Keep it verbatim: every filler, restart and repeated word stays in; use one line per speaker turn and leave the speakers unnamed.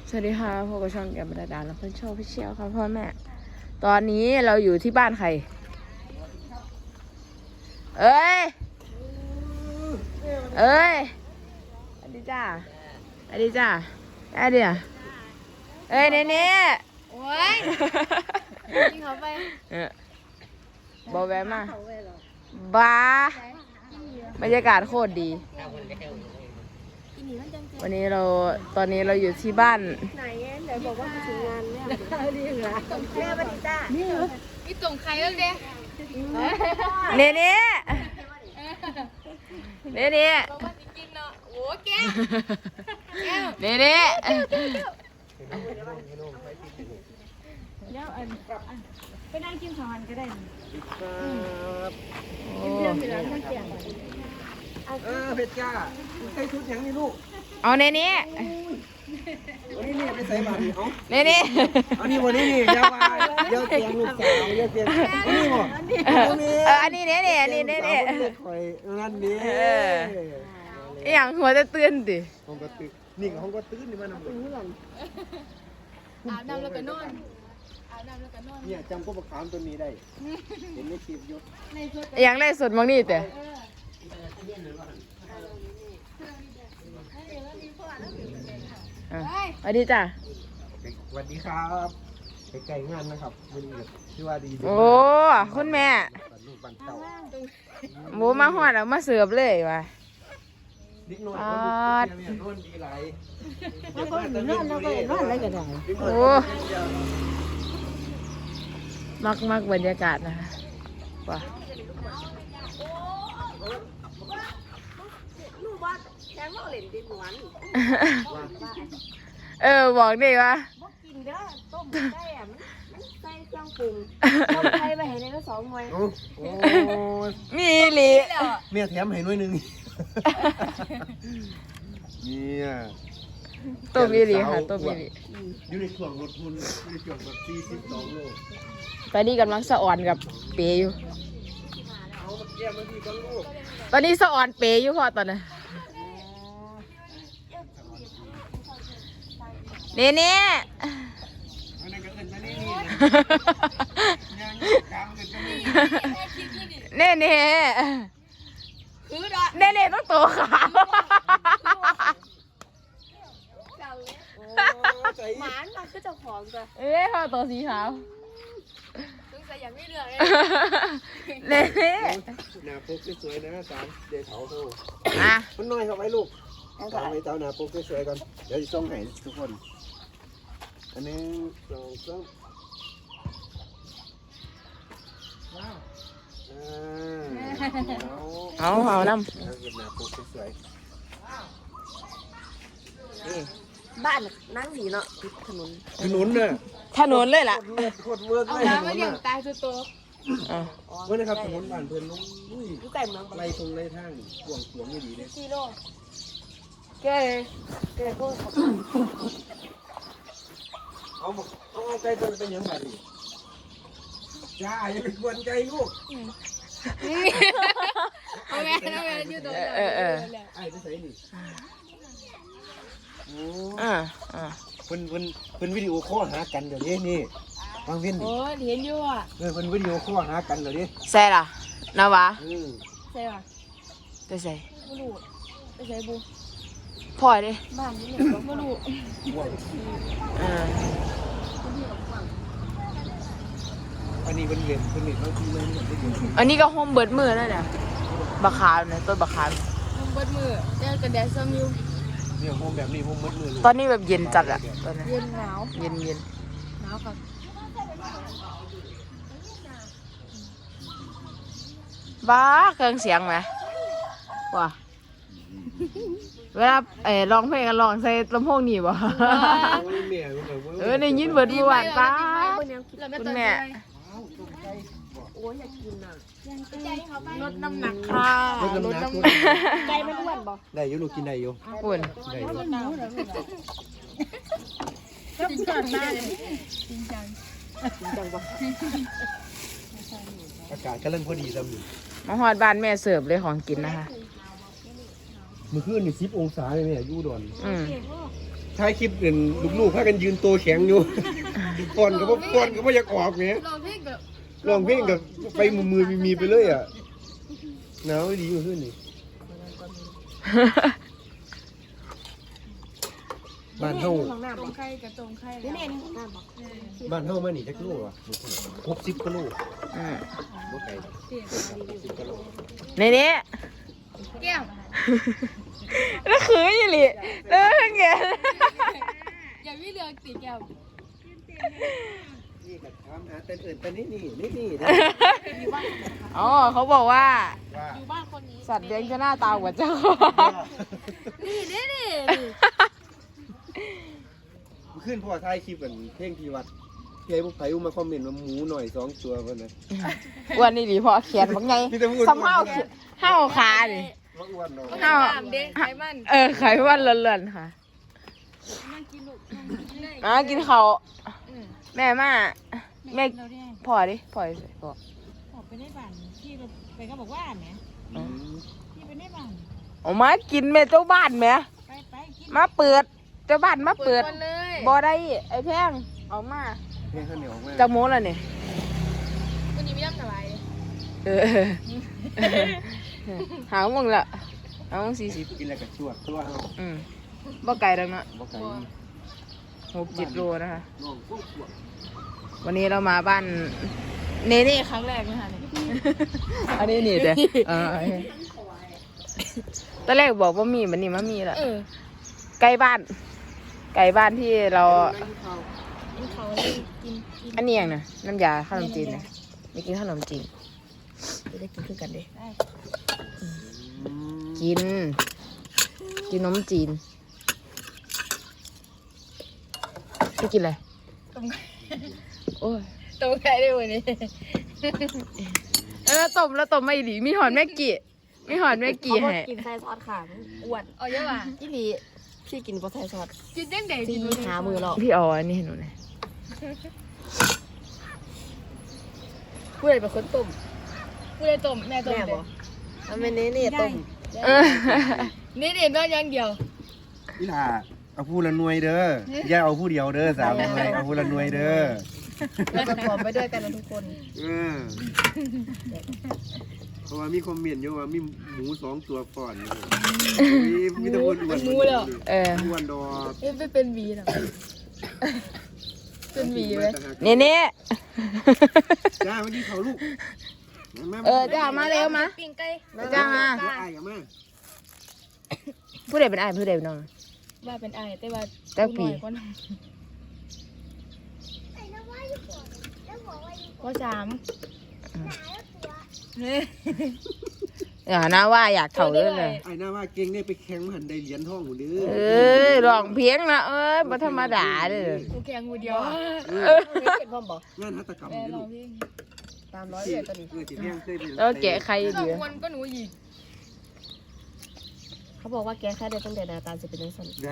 สวัสดีค่ะพบกับช่องแกมดาดาและเพื่อนชอบพี่เชียวค่ะพ่อแม่ตอนนี้เราอยู่ที่บ้านใครเอ้ยเอ้ยสวัสดีจ้าสวัสดีจ้าได้เดี๋ยวเอ้ยเน่เน่
โอ้ยกินเขาไป
เออบอกแวะมาบ้าบรรยากาศโคตรดีวันนี้เราตอนนี้เราอยู่ที่บ้าน
ไหนเดี๋ยวบอกว่าถึงงานแม่ดีเหรอแม่ปฏิตานี่เหรอนี่ส่งใครแล้วเด้
เน่เน่เน่เน่
บอกว่ากินเนาะโอ้แก้ว
เน่เน่
เดี๋ยวอันไปนั่งกินข้าวหันก็ได้
โอ้
เรื่องอยู่แล้วต้องเกี่ยง
เออเพชรจ้าใส่ชุดยังนี่ลูก
เอาเน่เน่
วันนี้นี่ไปใส่บาตรนี่เอา
เน่เน่
อันนี้วันนี้นี่ยาวาเยอะเสียงลูกสาวเยอะเสียงอันนี้หมด
เอออันนี้เน่เน่อันนี้เน่เน่
คอยนั่นนี่
อย่างหัวจะตื่นดิ
ห้องก็ตื่นนี่กับห้องก็ตื่นนี่มันน้ำตื่น
อาบน้ำแล้วก็นอนอาบน้ำแล้วก็นอน
เนี่ยจำก็ประคามตัวนี้ได้เห็นในคลิปอยู่
อย่างไรสุดมองนี่แต่สวัสดีจ้ะ
สวัสดีครับไก่งานนะครับวันนี้ที่ว่าดี
โอ้คุณแม่หมูมาหอดแล้วมาเสิร์ฟเลยว่ะ
นิดหน่อยคนดีเนี่ยนอนดีไร
แล้วก็นอนแล้วก็นอนอะไรกันได้
โอ้มักมักบรรยากาศนะคะว่ะเออบอกดิว่า
กินเด้อต้มได้อะมันมันใส่เครื่องปรุงต้มไทยไปเห็นในก็สองหน่วย
มีหลี
เมียแถมให้หน่วยหนึ่งเนี่ย
ต้มมีหลีค่ะต้มมีหลี
อยู่ในช่วงรถทุนอยู่ในช่วงรถสี่สิบสองโล
ตอนนี้กำลังสะอ่อนกับเปย์อยู่ตอนนี้สะอ่อนเปย์อยู่พอตอนนั้นเน่เน่เน่เน่เน่เน่ต้องโตขาว
หมานมาคือเจ้าของจ้ะ
เอ้ยพอโตสีขาว
ต้องใส่อย่างไม่เหลือเลย
เน่เน่
หน้าปุ๊กสวยๆนะสามเดี๋ยวเถาโต
อ่ะ
มันน้อยเข้าไว้ลูกเอาไว้เตาหน้าปุ๊กสวยๆก่อนเดี๋ยวจะส่งให้ทุกคนอันนี้สองสาม
เอาเอาน้ำ
บ้านนั่งสีเนาะถนน
ถนนเนี่ย
ถนนเลยล่ะ
โคตรเวิร์กเลย
เอาไม่เลี้ยงตายตัวโต
เมื่อนะครับถนนบ้านเพื่อนลุงอุ้ย
อยู่ใกล้เมือง
ไล่ตรงไล่ทางกวงกวงไม่ดีเลย
กิโลแกแกก็
เอาเอาเอาไก่ตัวเป็นยังไงดิจ้าอย่าเป็นคนไก่ลูก
เอาไงเอาไงอยู่ตรงนั้น
เออเออ
ไอ้ที่ใส่นี่โอ้
อ่าอ่า
เพิ่นเพิ่นเพิ่นวิดีโอคอลหากันเดี๋ยวนี้นี่ฟังเพิ่นดิ
โอ้เห็นอยู่อ่ะ
เออเพิ่นวิดีโอคอลหากันเดี๋ยวนี้
ใส่ล่ะนาวะ
ใส่ป่ะ
ไปใส่
ไม่รู้ไปใส่บู
พอยดิ
บ้านนี่ไม่รู้
อ่า
อันนี้เป็นเหรียญเป็นเหรียญบางทีมันเหมือนได้ยิน
อันนี้ก็โฮมเบิร์ดมือนั่นน่ะบักขาวเนี่ยต้นบักขาว
โฮมเบิร์ดมือเจอกันแดดซัมยู
เนี่ยโฮมแบบนี้โฮมเบิร์ดมือ
ตอนนี้แบบเย็นจัดอะตอนนี้
เย็นหนาว
เย็นเย็น
หนาวค่ะ
บ้าเครื่องเสียงไหมว้าเวลาเออร้องเพลงกันร้องใส่ลำโพงนี่บ่เออในยินเบิดเมื่อวานป้าคุณแม่
โอ้ยอยากกินอ่ะลดน้ำหนักค่ะ
ลดน้ำหนัก
ใจมันอ้วนบ่
ได้อยู่ลูกกินได้อยู่
อ้วน
ได้อยู่
จริงจังมากจริงจัง
จริงจังบ่อากาศกำลังพอดีซ้ำอยู่
มาฮอดบ้านแม่เสิร์ฟเลยของกินนะคะ
เมื่อคืนนี่สิบองศาเลยแม่อยู่ดอน
อืม
ท้ายคลิปเห็นลูกๆพากันยืนตัวแข็งอยู่ฟอนก็บ่ฟอนก็บ่อยากออกแหม
ลองเพลงกับ
ร้องเพลงกับไปมือมือมีๆไปเลยอ่ะหนาวดีอยู่ขึ้นนี่บ้านเฮา
ตรงไข่กับตรงไข่
นี่นี่นี่น้ำบอก
บ้านเฮามานี่จักโลอ่ะหกสิบกิโล
อืม
บ่ไกลสิบกิโล
ในนี้
แก้ม
แล้วคืออยู่ลิแล้วทั้งแก
อย่าวิเลือกตีแก้ม
นี่ก็ถามหาแต่อื่นแต่นี่นี่นี่นี่นะ
อ๋อเขาบอกว่า
ว่า
อยู่บ้านคนนี้
สัตว์เลี้ยงจะหน้าตากว่าเจ้า
นี่นี่นี่
ขึ้นพ่อท้ายคลิปกันเพลงที่วัดที่ไอ้พวกไผมาคอมเมนต์ว่าหมูหน่อยสองตัวเพิ่นน่ะ
อ้วนนี่ดีพอเขียนว่าไง
มีแต่พูด
ซ้ำห้าวเขียนห้าวขาดิ
ว่าอ้วนเนาะ
ห้าว
ตามเด้ไขมัน
เออไขวันเลื่อนๆค่ะ
นั่งกินลูกนั่งกินได้
อ่ะกินเขาว
อืม
แม่มาแม่
เราเนี่ย
พอดิพอดิพอ
ออกไปได้บ้านพี่ไปก็บอกว่าแหม
อืม
พี่ไปได้บ้าน
ออกมากินแม่เจ้าบ้านแหม่
ไปไปกิน
มาเปิดเจ้าบ้านมาเปิด
ก่อนเลย
บ่ได้ไอ้แพงออกมา
เพลงข้าวเหนียวมาก
จากโมงแล้วนี่
วันนี้ไม่ต้องสบาย
เออหาโมงละหาโมงสี่สิบ
กินอะไรกับชวดตัวเฮา
อืมบ่ไกลดังเนาะ
บ่ไกล
หกเจ็ดโลนะคะ
น้องพวกชวด
วันนี้เรามาบ้านเนเน่ครั้งแรกนะคะเนี่ยอันนี้นี่เด้ออ่าตอนแรกบอกว่ามีมันนี่มันมีละ
เออ
ใกล้บ้านใกล้บ้านที่เรา
กินเขาเลยกินกิน
อันนี้อย่างนะน้ำยาขนมจีนนะไม่กินขนมจีนจะได้กินคือกันเด้
อืม
กิน กินนมจีนไม่กินอะไร
ต้มไข่
โอ้ย
ต้มไข่ได้วันนี้
แล้วต้มแล้วต้มไม่ดีมีหอนแม่กี่มีหอนแม่กี่ให้
กินไส้ซอสขาอ้วน
เอาเยอะว่ะ
พี่ลีพี่กินปลาไส้ซอส
กินยังไง
พี่
กิน
หามือเรา
พี่เอาอันนี้ให้หนูหน่อย
ผู้ใดเป็นคนต้ม
กูเลยต้มแม่ต้ม
แม่
เล
บ
ย
อกทำเป็นนี้นี่ต้ม
เออ
นี่เด็ดน้อยอย่างเดียว
อีหล่าเอาผู้ละหน่วยเด้ออย่าเอาผู้เดียวเด้อสาวหน่วยเอาผู้ละหน่วยเด้อ
เราจะผอมไปด้วยกันนะทุกคน
เออเพราะว่ามีคอมเมนต์อยู่ว่ามีหมูสองตัวก่อนมีมีแต่อ้วนอ้วน
เออ
อ้วนดอก
เอ๊ะไม่เป็นหวีหรอเป็นหวีไหม
เน่เน่
จ้ามาดีเขาลูก
เออจ้ามาเร็วมา
ปิ้งไก่
จ้ามา
ไอ้กับมา
ผู้ใดเป็นไอ้ายผู้ใดเป็นน้อง
ว่าเป็นไอ้แต่ว่า
แต่ปี
น้อยกว่าน้องก็สามเนี่ย
อย่านะว่าอยากเข่าเลยเลย
ไอ้หน้าว่าเก่งได้ไปแข่งหันได้เหรียญทองหมดเด้อ
เอ้ยร้องเพียงนะเอ้ยบ่ธรรมดาเด้อ
กูแข่งกูเดียว
เป็นพ่อบอก
งานหัตถกรรม
แม่
นี่
ล
ลู
อง
ก
เพลง
ตามร้อย
ที่
เลยตัวนี้
เออที่เลี้ยงเคยไป
แล้วแกะใคร
สอ
ดี
งคนก็หนูอีก
เขาบอกว่าแกแค่ได้ตั้งแต่นาตาจะเป็นนักสัน